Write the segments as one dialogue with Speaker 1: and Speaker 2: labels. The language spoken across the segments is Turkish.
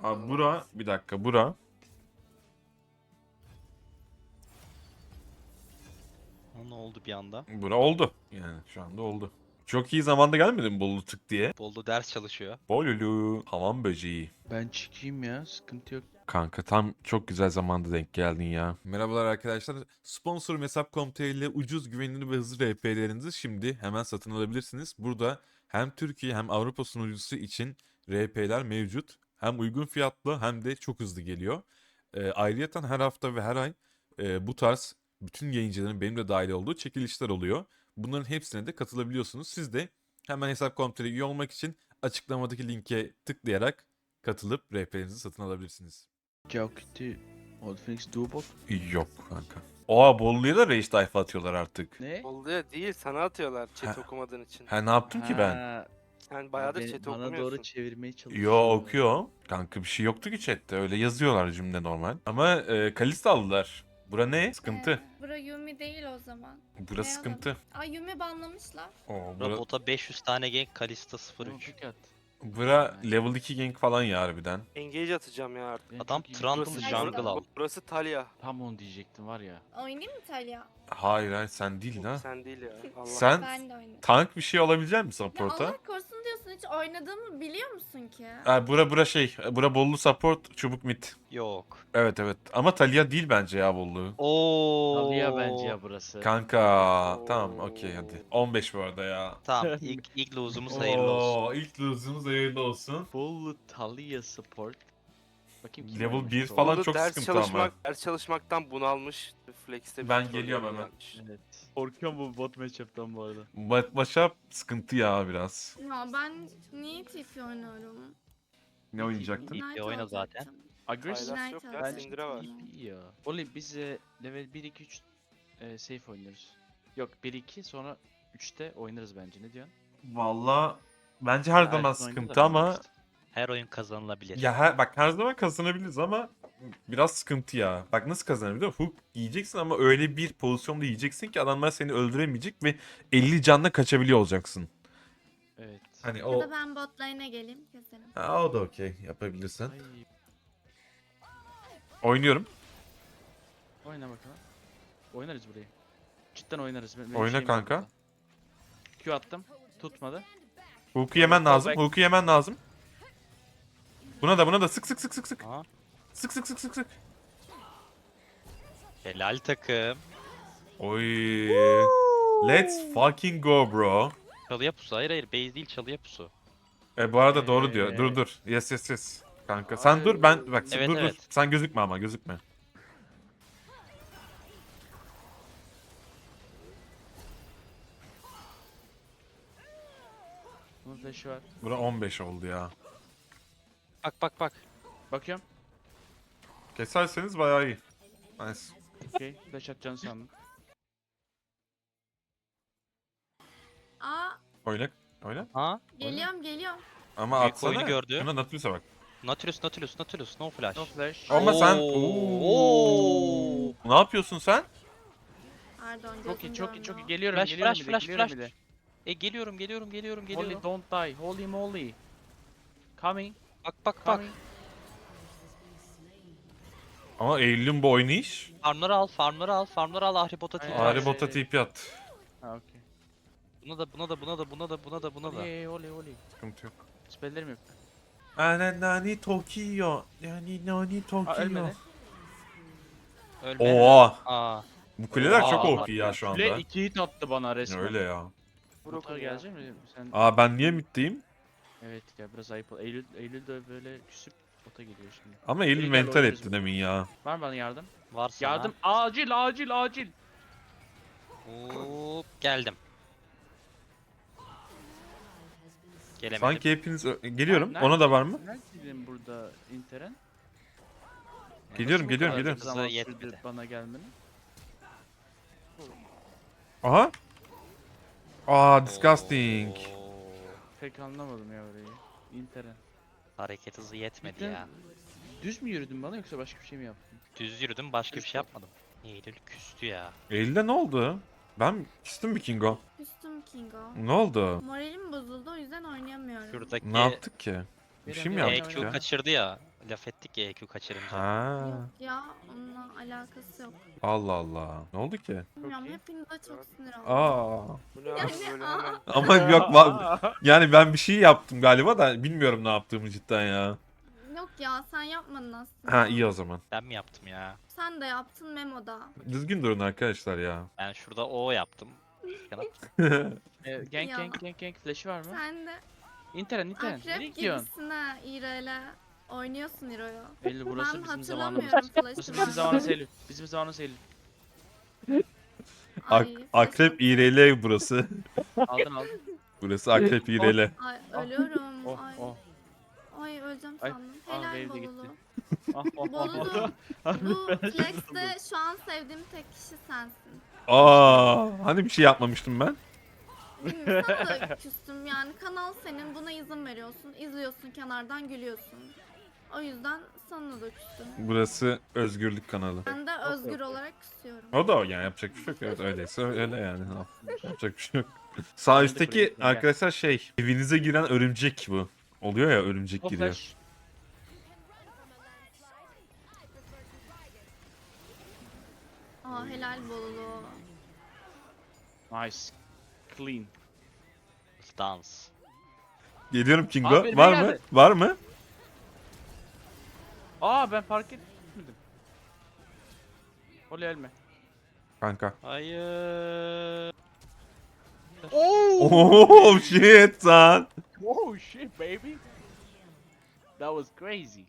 Speaker 1: Abi bura bir dakika bura.
Speaker 2: Ne oldu bir anda?
Speaker 1: Bura oldu. Yani şu anda oldu. Çok iyi zamanda gelmedi mi Bolu tık diye?
Speaker 2: Boldu ders çalışıyor.
Speaker 1: Bolulu. Hamam böceği.
Speaker 3: Ben çıkayım ya, sıkıntı yok.
Speaker 1: Kanka tam çok güzel zamanda denk geldin ya. Merhabalar arkadaşlar. Sponsorum Hesap.com.tr ile ucuz, güvenilir ve hızlı RP'lerinizi şimdi hemen satın alabilirsiniz. Burada hem Türkiye hem Avrupa sunucusu için RP'ler mevcut. Hem uygun fiyatlı hem de çok hızlı geliyor. Ayrıyeten her hafta ve her ay bu tarz bütün yayıncıların benim de dahil olduğu çekilişler oluyor. Bunların hepsine de katılabiliyorsunuz. Siz de hemen Hesap.com.tr üye olmak için açıklamadaki linke tıklayarak katılıp RP'lerinizi satın alabilirsiniz.
Speaker 3: Cavkit'i Old Phoenix Duobot.
Speaker 1: Yok kanka. Oha Bollu'ya da Rage tayfa atıyorlar artık.
Speaker 3: Ne?
Speaker 4: Oluyor değil, sana atıyorlar chat
Speaker 1: Ha.
Speaker 4: okumadığın için.
Speaker 1: Ha ne yaptım ki ben?
Speaker 3: Ha,
Speaker 4: Sen bayağıdır
Speaker 3: beni-
Speaker 4: chat
Speaker 3: bana
Speaker 4: okumuyorsun.
Speaker 3: doğru çevirmeye çalışıyor.
Speaker 1: Yo okuyor. Kanka bir şey yoktu ki chatte. Öyle yazıyorlar cümle normal. Ama Kalista aldılar. Bura ne? Sıkıntı.
Speaker 5: Bura Yumi değil o zaman.
Speaker 1: Burası
Speaker 5: Ne
Speaker 1: sıkıntı.
Speaker 5: Ay Yumi banlamışlar.
Speaker 1: Oo, bura,
Speaker 2: Bota 500 tane gank, Kalista 03.
Speaker 3: Dikkat.
Speaker 1: bura level 2 gank falan ya harbiden.
Speaker 4: Engage atacağım ya artık.
Speaker 3: Benim
Speaker 2: Adam
Speaker 3: çok iyi-
Speaker 2: Trundle
Speaker 4: Burası,
Speaker 2: jungle al.
Speaker 4: burası Talia.
Speaker 3: Tam onu diyecektim var ya.
Speaker 5: Oynayayım mı Talia?
Speaker 1: Hayır hayır sen değil ha.
Speaker 4: Sen değil ya. Allah.
Speaker 1: Sen
Speaker 5: Ben de oynayayım.
Speaker 1: tank bir şey olabilecek misin
Speaker 5: Ya
Speaker 1: support'a?
Speaker 5: Allah korusun diyorsun, hiç oynadığımı biliyor musun ki?
Speaker 1: Bura Bollu support çubuk mid.
Speaker 2: Yok.
Speaker 1: Evet evet ama Talia değil bence ya Bollu.
Speaker 2: Oo.
Speaker 3: Talia bence ya burası.
Speaker 1: Kanka tamam okey hadi. 15 bu arada ya.
Speaker 2: Tamam ilk lose'umuz hayırlı olsun.
Speaker 1: Oo, ilk lose'umuz hayırlı olsun.
Speaker 3: Full Talia support. Bakayım kim
Speaker 1: Level
Speaker 3: oynamış
Speaker 1: 1
Speaker 3: o?
Speaker 1: falan
Speaker 4: Bolu
Speaker 1: çok
Speaker 4: ders
Speaker 1: sıkıntı ama.
Speaker 4: Ders çalışmaktan bunalmış. Flex'te bir
Speaker 1: Ben
Speaker 4: tutorial
Speaker 1: geliyorum hemen.
Speaker 4: gelmiş.
Speaker 3: Evet. Korkuyorum bu bot matchup'tan bu arada.
Speaker 1: Başa sıkıntı ya biraz.
Speaker 5: Ya ben niye TP oynuyorum?
Speaker 1: Ne oynayacaktın?
Speaker 2: İyi.
Speaker 5: Knight
Speaker 2: oyna
Speaker 5: alacaktım.
Speaker 2: zaten.
Speaker 3: Aggressive.
Speaker 4: Paylaş
Speaker 5: Knight
Speaker 4: yok ya,
Speaker 5: alacaktım.
Speaker 4: Syndra var.
Speaker 3: İyi ya. Oli biz level 1 2 3 safe oynuyoruz. Yok 1 2 sonra 3'te oynarız bence. Ne diyorsun?
Speaker 1: Valla bence her
Speaker 3: Ya,
Speaker 1: zaman
Speaker 3: Ersin oynadı da
Speaker 1: sıkıntı
Speaker 3: ben
Speaker 1: ama
Speaker 3: oynarız.
Speaker 2: Her oyun kazanılabilir.
Speaker 1: ya bak her zaman kazanabiliriz ama biraz sıkıntı ya. Bak nasıl kazanabilir? Hook yiyeceksin ama öyle bir pozisyonda yiyeceksin ki adamlar seni öldüremeyecek ve 50 canla kaçabiliyor olacaksın.
Speaker 3: Evet.
Speaker 1: Hani
Speaker 5: Ya
Speaker 1: o
Speaker 5: da ben bot lane'e geleyim, keselim.
Speaker 1: ha, o da okey yapabilirsin.
Speaker 3: Ay,
Speaker 1: Oynuyorum.
Speaker 3: oyna bakalım. Oynarız burayı. Cidden oynarız. Benim
Speaker 1: Oyna
Speaker 3: şeyim var
Speaker 1: kanka.
Speaker 3: burada. Q attım. Tutmadı.
Speaker 1: Hook'u yemen lazım.
Speaker 3: back.
Speaker 1: Hook'u yemen lazım. Buna da sık sık sık sık sık.
Speaker 2: Aha.
Speaker 1: Sık sık sık sık sık.
Speaker 2: Helal takım.
Speaker 1: Oy. Let's fucking go bro.
Speaker 2: Çalıya pusu. Hayır base değil çalıya pusu.
Speaker 1: Bu arada doğru diyor. Dur. Yes. Kanka sen dur ben bak
Speaker 2: Evet,
Speaker 1: dur.
Speaker 2: evet.
Speaker 1: Sen gözükme ama gözükme.
Speaker 3: Bunun flash'ı var.
Speaker 1: Bura 15 oldu ya.
Speaker 2: Bak.
Speaker 3: Bakıyorum.
Speaker 1: Keserseniz bayağı iyi. Nice.
Speaker 3: Okey. Flash atacağını sandım.
Speaker 5: Aa,
Speaker 1: Oyna.
Speaker 2: Ha?
Speaker 5: geliyorum.
Speaker 1: Ama
Speaker 2: Büyük
Speaker 1: atsana.
Speaker 2: oyunu gördü.
Speaker 1: Şuna Nautilus'a bak.
Speaker 2: Nautilus, no flash.
Speaker 3: No flash.
Speaker 1: Ama sen...
Speaker 2: Oo.
Speaker 1: Ne yapıyorsun sen?
Speaker 5: Pardon,
Speaker 3: Çok iyi,
Speaker 5: gözüm
Speaker 3: çok iyi, çok iyi.
Speaker 5: görmüyor.
Speaker 3: Geliyorum,
Speaker 2: Flash,
Speaker 3: geliyorum
Speaker 2: flash,
Speaker 3: bile,
Speaker 2: flash,
Speaker 3: geliyorum
Speaker 2: flash.
Speaker 3: bile.
Speaker 2: Geliyorum.
Speaker 3: Holy don't die. Holy moly. Coming,
Speaker 2: Bak.
Speaker 3: coming.
Speaker 1: Ama Eylül'ün bu oynayış.
Speaker 2: Farmları al. Ahribot'a
Speaker 3: Aynen.
Speaker 2: TP.
Speaker 3: Ari-
Speaker 1: Bota TP at.
Speaker 3: Ha okey.
Speaker 2: Buna da.
Speaker 3: Holy.
Speaker 1: Sıkıntı yok.
Speaker 3: Spelllerim yok.
Speaker 1: Ananani Tokyo. Yani nani
Speaker 3: Aa
Speaker 1: Tokyo.
Speaker 3: ölmedi.
Speaker 2: Ölme.
Speaker 1: Oha.
Speaker 2: Aa.
Speaker 1: Bu kuleler çok
Speaker 2: Aa,
Speaker 1: OP ya şu
Speaker 3: Kule
Speaker 1: anda.
Speaker 3: 2 hit attı bana resmen.
Speaker 1: Öyle ya.
Speaker 3: Motor
Speaker 4: Broken ya.
Speaker 3: gelecek mi? Sen...
Speaker 1: Aa ben niye middeyim?
Speaker 3: Evet ya biraz ayıp oldu. Eylül de böyle küsüp bota geliyor şimdi.
Speaker 1: Ama Eylül
Speaker 3: Gel,
Speaker 1: mental
Speaker 3: oynarız
Speaker 1: etti
Speaker 3: bu.
Speaker 1: demin ya.
Speaker 3: Var mı bana yardım?
Speaker 2: Var sana.
Speaker 3: Yardım. Acil.
Speaker 2: Hop, geldim. Gelemedim.
Speaker 1: Sanki hepiniz geliyorum.
Speaker 3: Nerede-
Speaker 1: Ona da var mı?
Speaker 3: Neredeydin burada Interen?
Speaker 1: Geliyorum,
Speaker 3: Nasıl bu kadar
Speaker 1: geliyorum.
Speaker 3: zaman
Speaker 2: Hızı
Speaker 3: sürdü
Speaker 2: yetmedi.
Speaker 3: bana gelmeni.
Speaker 1: Aha. Aa disgusting.
Speaker 2: Oo.
Speaker 3: Pek anlamadım ya orayı. Interen.
Speaker 2: Hareket hızı yetmedi
Speaker 3: Cidden
Speaker 2: ya.
Speaker 3: Düz mü yürüdün bana yoksa başka bir şey mi yaptın?
Speaker 2: Düz yürüdüm, başka bir şey yapmadım. Eylül küstü ya.
Speaker 1: Eylül'de ne oldu? Ben küstüm bir Kingo.
Speaker 5: Küstüm Kingo.
Speaker 1: Ne oldu?
Speaker 5: Moralim bozuldu, o yüzden oynayamıyorum.
Speaker 2: Şuradaki
Speaker 1: Ne yaptık ki? Bir şey mi
Speaker 3: Benim-
Speaker 1: yaptık
Speaker 2: EQ
Speaker 1: ya?
Speaker 2: kaçırdı ya. laf ettik ya EQ kaçırınca.
Speaker 1: Ha.
Speaker 5: Yok ya onunla alakası yok.
Speaker 1: Allah Allah. Ne oldu ki?
Speaker 5: Bilmiyorum
Speaker 3: iyi.
Speaker 5: hepinize çok sinir oldum.
Speaker 1: Aa.
Speaker 4: Bu ne abi
Speaker 5: Yani,
Speaker 4: böyle
Speaker 5: aa.
Speaker 4: hemen.
Speaker 1: Ama yok yani ben bir şey yaptım galiba da bilmiyorum ne yaptığımı cidden ya.
Speaker 5: Yok ya sen yapmadın aslında.
Speaker 1: Ha iyi o zaman.
Speaker 2: Ben mi yaptım ya?
Speaker 5: Sen de yaptın Memo'da.
Speaker 1: Düzgün durun arkadaşlar ya.
Speaker 2: Ben şurada O yaptım. Kanat.
Speaker 3: Gank
Speaker 5: Ya.
Speaker 3: gank gank gank flash'ı var mı?
Speaker 5: Sen de
Speaker 3: İnteren Nereye
Speaker 5: akrep
Speaker 3: gidiyorsun?
Speaker 5: gibisin ha İre'yle. Oynuyorsun İro'yu.
Speaker 3: Belli burası
Speaker 5: Ben
Speaker 3: bizim zamanımız.
Speaker 5: hatırlamıyorum
Speaker 3: Burası
Speaker 5: flash'ı
Speaker 3: bizim
Speaker 5: var.
Speaker 3: zamanımız Eylül. Bizim zamanımız Eylül.
Speaker 5: Ay,
Speaker 1: Akrep
Speaker 5: flash
Speaker 1: İğreli burası.
Speaker 3: Aldın aldın.
Speaker 1: Burası Akrep İğreli.
Speaker 5: at- Ay ölüyorum.
Speaker 3: Oh
Speaker 5: Ay.
Speaker 3: oh.
Speaker 5: Ay öleceğim
Speaker 3: Ay,
Speaker 5: sandım.
Speaker 3: ah,
Speaker 5: Helal
Speaker 3: wave de
Speaker 5: Bolulu.
Speaker 3: gitti. Ah oh oh
Speaker 5: Bolulu.
Speaker 3: oh.
Speaker 5: Bu Flex'te şu an sevdiğim tek kişi sensin.
Speaker 1: Aa, hani bir şey yapmamıştım ben.
Speaker 5: Bilmiyorum, sana da küstüm yani kanal senin buna izin veriyorsun. İzliyorsun kenardan gülüyorsun. O yüzden sana da küstüm.
Speaker 1: Burası özgürlük kanalı.
Speaker 5: Ben de özgür olarak küsüyorum.
Speaker 1: O da o yani yapacak bir şey yok. Evet öyleyse öyle yani. Yapacak bir şey yok. Sağ üstteki arkadaşlar şey evinize giren örümcek bu. Oluyor ya örümcek
Speaker 3: O
Speaker 1: giriyor.
Speaker 3: flash.
Speaker 5: Aa helal Bolulu.
Speaker 3: Nice. Clean.
Speaker 2: Dance.
Speaker 1: Geliyorum Kingo.
Speaker 3: Abi,
Speaker 1: Var
Speaker 3: ne
Speaker 1: mı?
Speaker 3: geldi?
Speaker 1: Var mı?
Speaker 3: Aa ben fark etmedim. Oley ölme.
Speaker 1: Kanka.
Speaker 2: Hayır.
Speaker 1: Oh shit son.
Speaker 3: Oh shit baby. That was crazy.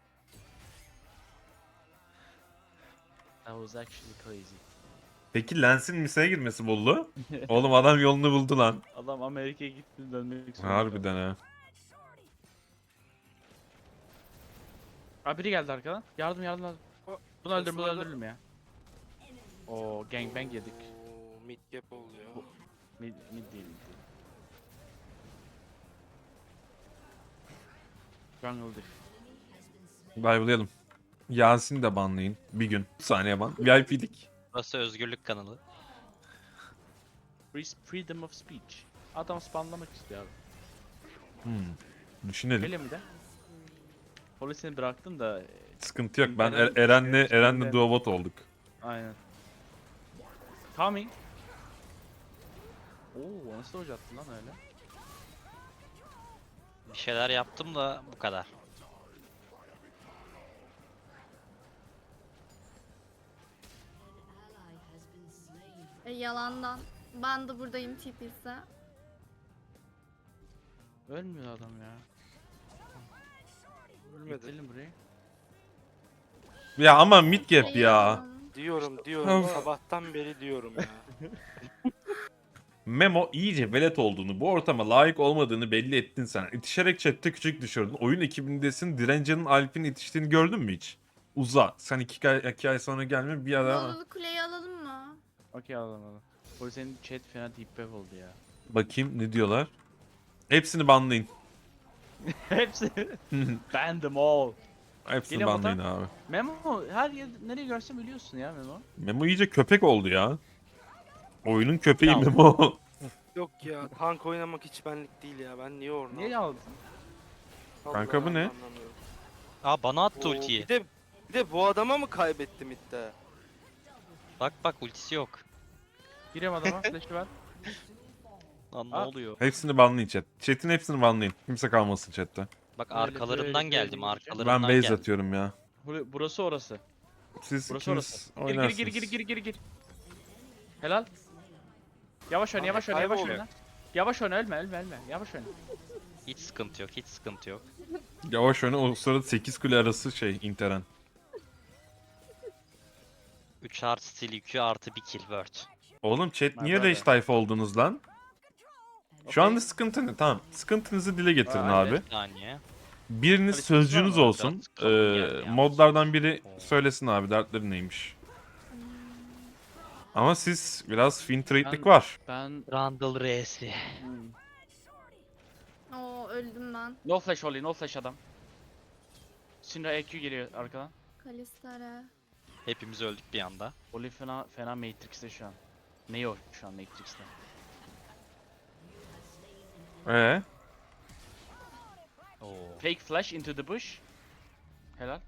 Speaker 3: That was actually crazy.
Speaker 1: Peki Lens'in miseye girmesi buldu. Oğlum adam yolunu buldu lan.
Speaker 3: Adam Amerika'ya gitti dönmek zorunda.
Speaker 1: Harbiden ha.
Speaker 3: Abi biri geldi arkadan. Yardım yardım yardım. Bunu öldürün bunu
Speaker 4: Sırasına da-
Speaker 3: öldürelim ya. Oo gangbang yedik.
Speaker 4: Oo, mid gap oldu ya.
Speaker 3: Mid değil mid değil. Jungle diff.
Speaker 1: Dive'layalım. Yasin'i de banlayın. Bir gün. Bir saniye ban. VIP'lik.
Speaker 2: Burası özgürlük kanalı.
Speaker 3: Freedom of speech. Adam spamlamak istiyor abi.
Speaker 1: Düşünelim.
Speaker 3: Öyle mi de? Polisini bıraktın da
Speaker 1: Sıkıntı yok. Ben
Speaker 3: Eren-
Speaker 1: Eren'le
Speaker 3: Eren-
Speaker 1: duobot olduk.
Speaker 3: aynen. Coming. Oo nasıl hoca attın lan öyle?
Speaker 2: Bir şeyler yaptım da bu kadar.
Speaker 5: Yalandan. Ben de buradayım tipiyse.
Speaker 3: Ölmüyor adam ya.
Speaker 4: Ölmedi.
Speaker 3: Gidelim buraya.
Speaker 1: Ya ama mid gap ya.
Speaker 5: Yalan.
Speaker 4: Diyorum
Speaker 1: Of.
Speaker 4: sabahtan beri diyorum ya.
Speaker 1: Memo iyice velet olduğunu, bu ortama layık olmadığını belli ettin sen. İtişerek chatte küçük düşürdün. Oyun ekibindesin. Dirence'nin Alp'in itiştiğini gördün mü hiç? Uza. Sen iki ay sonra gelme bir ara.
Speaker 5: Bolulu kuleyi alalım mı?
Speaker 3: Okey alalım alalım. Polisin chat fena deep web oldu ya.
Speaker 1: Bakayım ne diyorlar. Hepsini banlayın.
Speaker 3: Hepsi. Ban them all.
Speaker 1: Hepsini
Speaker 3: Geliyor mu
Speaker 1: banlayın abi.
Speaker 3: Memo her yer nereye görsem biliyorsun ya Memo.
Speaker 1: Memo iyice köpek oldu ya. Oyunun köpeği
Speaker 3: Ya.
Speaker 1: Memo.
Speaker 4: Yok ya tank oynamak hiç benlik değil ya. Ben niye orna
Speaker 3: Niye aldın?
Speaker 1: Kanka bu ne?
Speaker 4: anlamıyorum.
Speaker 2: Aa bana attı
Speaker 4: Oo,
Speaker 2: ultiyi.
Speaker 4: bir de bu adama mı kaybettim iddia?
Speaker 2: Bak ultisi yok.
Speaker 3: Gireyim adama flash'ı ver.
Speaker 2: Lan ne
Speaker 3: Aa.
Speaker 2: oluyor?
Speaker 1: Hepsini banlayın chat. Chat'in hepsini banlayın. Kimse kalmasın chatte.
Speaker 2: Bak
Speaker 3: Böyle,
Speaker 2: arkalarından
Speaker 3: böyle,
Speaker 2: geldim
Speaker 3: böyle
Speaker 2: arkalarından
Speaker 1: Ben base
Speaker 2: geldim.
Speaker 1: atıyorum ya.
Speaker 3: Burası orası.
Speaker 1: Siz
Speaker 3: Burası
Speaker 1: ikiniz
Speaker 3: orası.
Speaker 1: oynarsınız.
Speaker 3: Gir. Helal. Yavaş oyna
Speaker 4: Abi,
Speaker 3: yavaş oyna yavaş
Speaker 4: kayboluyor.
Speaker 3: oyna. Yavaş oyna ölme. Yavaş oyna.
Speaker 2: Hiç sıkıntı yok hiç sıkıntı yok.
Speaker 1: Yavaş oyna, o sırada 8 kule arası şey interen.
Speaker 2: 3 artı stil yükü artı 1 kill word.
Speaker 1: Oğlum chat
Speaker 3: My
Speaker 1: niye
Speaker 3: brother.
Speaker 1: rage tayfa oldunuz lan? Şu anda sıkıntı ne? Tamam. Sıkıntınızı dile getirin
Speaker 3: Aa,
Speaker 1: abi.
Speaker 2: Bir saniye.
Speaker 1: Biriniz
Speaker 3: Hadi
Speaker 1: sözcüğünüz
Speaker 3: sıkıntı var mı?
Speaker 1: olsun.
Speaker 2: Biraz kalın geldi ya.
Speaker 1: Modlardan biri
Speaker 2: Oo.
Speaker 1: söylesin abi dertleri neymiş. Ama siz biraz fin trade'lik
Speaker 3: Ben-
Speaker 1: var.
Speaker 3: Ben...
Speaker 2: Randall R'si.
Speaker 5: Oo öldüm ben.
Speaker 3: No flash Oli, no flash adam. Syndra EQ geliyor arkadan.
Speaker 5: Kalistara.
Speaker 2: Hepimiz öldük bir anda.
Speaker 3: Oli fena Matrix'te şu an. Neo şu an Matrix'te.
Speaker 2: Oo.
Speaker 3: Fake flash into the bush. Helal.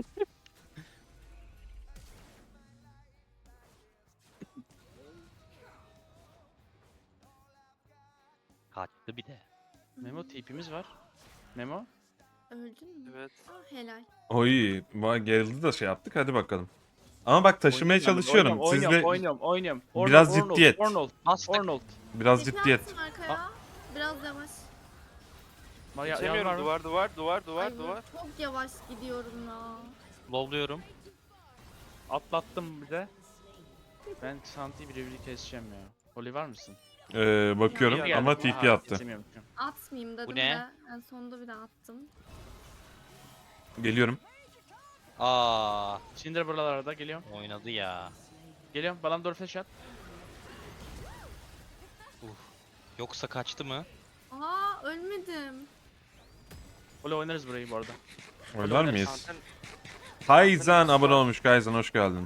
Speaker 2: Kaçtı bir de.
Speaker 3: Memo TP'miz var. Memo.
Speaker 5: Öldün mü?
Speaker 4: Evet.
Speaker 5: Ah helal.
Speaker 1: Oy, gerildi da şey yaptık. Hadi bakalım. Ama bak taşımaya çalışıyorum. Sizle
Speaker 3: Oynuyorum.
Speaker 1: Biraz ciddiyet.
Speaker 2: Bastık.
Speaker 3: Arnold.
Speaker 1: biraz
Speaker 5: Çeker
Speaker 1: ciddiyet.
Speaker 5: misin arkaya? Biraz yavaş.
Speaker 4: Geçemiyorum. Duvar.
Speaker 5: Ay, çok yavaş gidiyorum ya.
Speaker 2: Lowluyorum.
Speaker 3: Atlattım bir de. Ben Santi'yi birebir keseceğim ya. Oli var mısın?
Speaker 1: Bakıyorum
Speaker 5: Geldi.
Speaker 1: ama
Speaker 3: Aha,
Speaker 1: TP attı.
Speaker 3: kesemiyorum.
Speaker 5: Atmayayım dedim
Speaker 2: ne?
Speaker 5: de. En sonunda bir de attım.
Speaker 1: Geliyorum.
Speaker 2: Aa,
Speaker 3: Cinder buralarda geliyorum.
Speaker 2: oynadı ya.
Speaker 3: Geliyorum. Balan doğru flash at.
Speaker 2: Yoksa kaçtı mı?
Speaker 5: Aa ölmedim.
Speaker 3: Oli oynarız burayı bu arada.
Speaker 1: Oynar mıyız?
Speaker 4: Zaten
Speaker 1: Kaizen abone olmuş. Kaizen hoş geldin.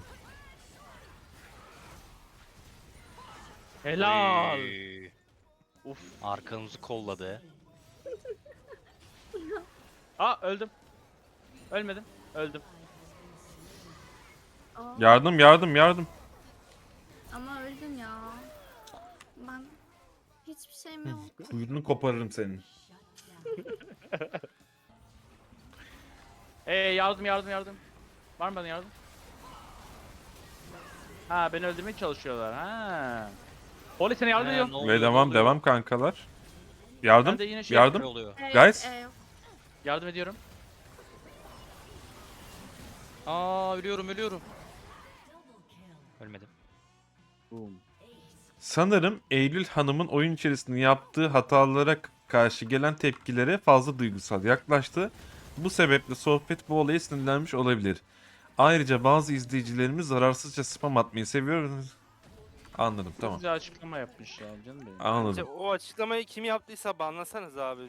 Speaker 3: Helal.
Speaker 2: Oy.
Speaker 3: Uf.
Speaker 2: Arkanızı kolladı.
Speaker 3: Aa öldüm. Ölmedim. Öldüm.
Speaker 5: Aa,
Speaker 1: Yardım.
Speaker 5: ama öldün ya. Ben hiçbir şeyim yok.
Speaker 1: Kuyruğunu koparırım senin.
Speaker 3: Yardım. Var mı bana yardım? Ha beni öldürmeye çalışıyorlar. Ha. Oli sana yardım ediyorum.
Speaker 2: Ne oluyor,
Speaker 1: Ve
Speaker 2: ne oluyor?
Speaker 1: devam kankalar. Yardım.
Speaker 3: Ben de yine şey
Speaker 2: Ne
Speaker 1: Yardım.
Speaker 2: oluyor?
Speaker 1: Guys.
Speaker 5: Yok.
Speaker 3: Yardım ediyorum.
Speaker 2: Aa, ölüyorum. Ölmedim.
Speaker 3: Boom.
Speaker 1: Sanırım Eylül Hanım'ın oyun içerisinde yaptığı hatalara karşı gelen tepkilere fazla duygusal yaklaştı. Bu sebeple sohbet bu olaya sinirlenmiş olabilir. Ayrıca bazı izleyicilerimiz zararsızca spam atmayı seviyor. Anladım, tamam.
Speaker 3: Güzel açıklama yapmış ya canım benim.
Speaker 4: bence
Speaker 1: Anladım.
Speaker 4: o açıklamayı kim yaptıysa banlasanız abi.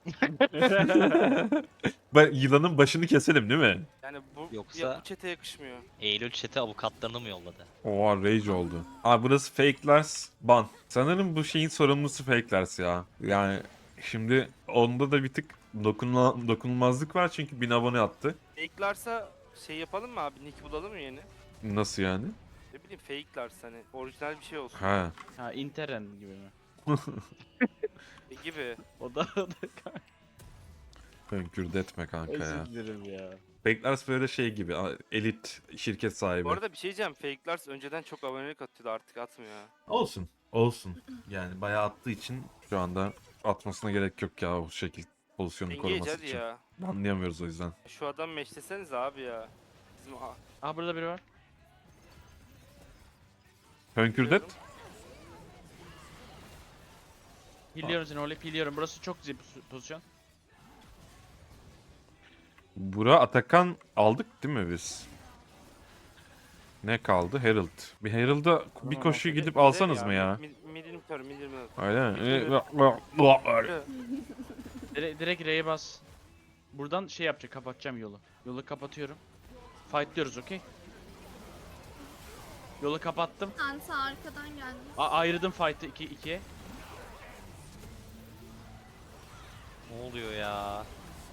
Speaker 1: Yılanın başını keselim değil mi?
Speaker 4: Yani bu
Speaker 2: Yoksa-
Speaker 4: bu çete yakışmıyor.
Speaker 2: Eylül chat'e avukatlarını mı yolladı?
Speaker 1: Oha rage oldu. Burası Fakelers ban. Sanırım bu şeyin sorumlusu Fakelers ya. Yani şimdi onda da bir tık dokunulmazlık var çünkü 1000 abone attı.
Speaker 4: Fake'larsa şey yapalım mı abi? Nick bulalım mı yeni?
Speaker 1: Nasıl yani?
Speaker 4: Ne bileyim fake'larsa hani orijinal bir şey olsun.
Speaker 1: Ha.
Speaker 3: Ha Interen gibi mi?
Speaker 4: Gibi.
Speaker 3: O da
Speaker 1: Hönkürde etme kanka ya.
Speaker 3: özür dilerim ya.
Speaker 1: Fakelers böyle şey gibi elit şirket sahibi.
Speaker 4: Bu arada bir şey diyeceğim. Fake'lar önceden çok abonelik atıyordu, artık atmıyor ha.
Speaker 1: Olsun. Yani bayağı attığı için şu anda atmasına gerek yok ya o şekil pozisyonu
Speaker 4: Engage
Speaker 1: koruması
Speaker 4: hadi
Speaker 1: için.
Speaker 4: ya.
Speaker 1: Anlayamıyoruz o yüzden.
Speaker 4: Şu adam meşleseniz abi ya. Bizim
Speaker 3: Aha burada biri var.
Speaker 1: Hönkürdet.
Speaker 3: Healiyorum seni Oli, healiyorum. Burası çok güzel bir pozisyon.
Speaker 1: Bura Atakan aldık değil mi biz? Ne kaldı? Herald. Bir Herald'a bir koşu
Speaker 4: Mid-
Speaker 1: gidip
Speaker 4: mid
Speaker 1: alsanız mı ya?
Speaker 4: Mid'ini kör, mid'ini
Speaker 1: Öyle mi?
Speaker 3: Direkt R'ye bas. Buradan şey yapacak, kapatacağım yolu. Yolu kapatıyorum. Fightlıyoruz, okey? Yolu kapattım.
Speaker 5: Santi arkadan geldi.
Speaker 3: Ayırdım fight'ı 2'ye.
Speaker 2: Ne oluyor ya?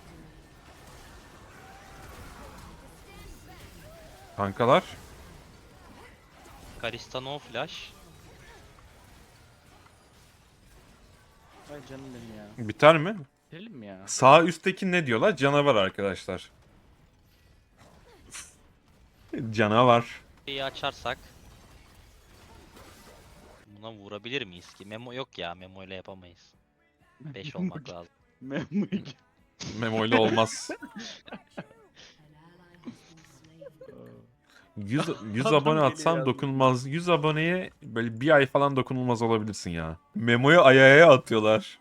Speaker 1: Kankalar.
Speaker 2: Kalista no flash.
Speaker 3: Ay canım benim ya.
Speaker 1: Biter mi?
Speaker 3: Bitirelim mi ya?
Speaker 1: Sağ üstteki ne diyorlar? Canavar arkadaşlar. Canavar.
Speaker 2: İyi açarsak. Buna vurabilir miyiz ki? Memo yok ya. Memo ile yapamayız. 5 olmak lazım.
Speaker 1: Memo ile olmaz. 100
Speaker 3: Adam
Speaker 1: abone
Speaker 3: geliyor
Speaker 1: atsam
Speaker 3: yazmış.
Speaker 1: dokunulmaz. 100 aboneye böyle bir ay falan dokunulmaz olabilirsin ya. Memo'yu ayağaya atıyorlar.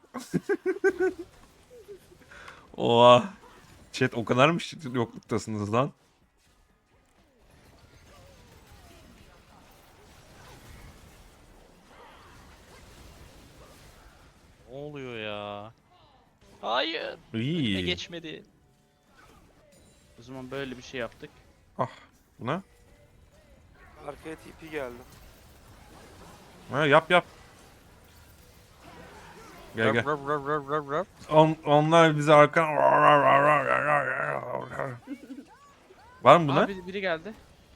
Speaker 1: Oha. Chat o kadar mı yokluktasınız lan?
Speaker 2: Ne oluyor ya? Hayır.
Speaker 1: İyi.
Speaker 2: Geçmedi.
Speaker 3: O zaman böyle bir şey yaptık.
Speaker 1: Buna?
Speaker 4: Arkaya TP geldi.
Speaker 1: Ha, yap. Gel.
Speaker 2: Röv.
Speaker 1: Onlar bize arkan... Var mı buna?
Speaker 3: Abi biri geldi.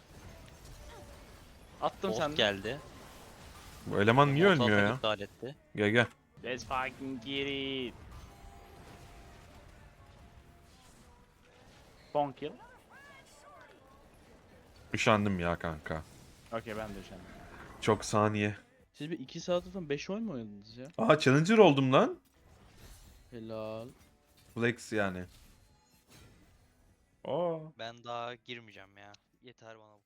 Speaker 3: Attım
Speaker 2: Bolt
Speaker 3: sende.
Speaker 2: geldi.
Speaker 1: Bu eleman niye
Speaker 2: Bolt
Speaker 1: ölmüyor
Speaker 2: atak
Speaker 1: ya?
Speaker 2: iptal etti.
Speaker 1: Gel gel.
Speaker 3: Let's fucking get it. Son kill.
Speaker 1: Üşendim ya kanka.
Speaker 3: Okey ben de üşendim.
Speaker 1: Çok saniye.
Speaker 3: Siz bir 2 saat falan 5 oyun mu oynadınız ya?
Speaker 1: Aa challenger oldum lan.
Speaker 3: Helal.
Speaker 1: Flex yani. Aa.
Speaker 2: Ben daha girmeyeceğim ya. Yeter bana bu.